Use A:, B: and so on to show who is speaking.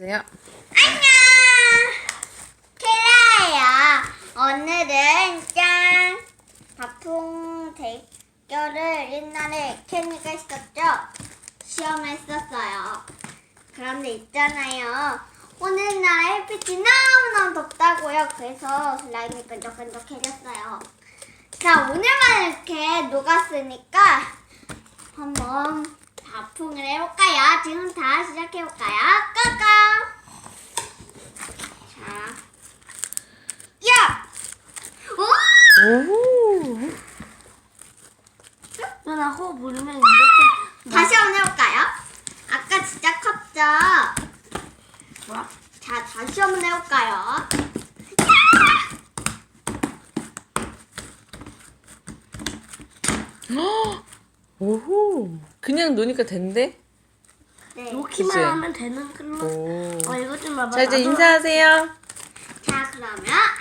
A: 인사해주세요.
B: 안녕! 케라예요. 오늘은 짠! 바풍 대결을 옛날에 케니가 했었죠? 시험을 했었어요. 그런데 있잖아요. 오늘날 햇빛이 너무너무 덥다고요. 그래서 슬라임이 끈적끈적해졌어요. 자, 오늘만 이렇게 녹았으니까 한번 바풍을 해볼까요? 지금 다 시작해볼까요? 고고! 자, 야! 오!
A: 오.
C: 누나 호흡 부르면 이렇게
B: 다시 한번 해볼까요? 아까 진짜 컸죠?
C: 뭐야?
B: 자, 다시 한번 해볼까요?
A: 오호. 그냥 노니까 된대?
B: 네.
C: 놓기만
A: 그치?
C: 하면 되는 걸로.
A: 오.
C: 이거 좀 봐봐.
A: 자, 이제
C: 나도-
A: 인사하세요.
B: 자, 그러면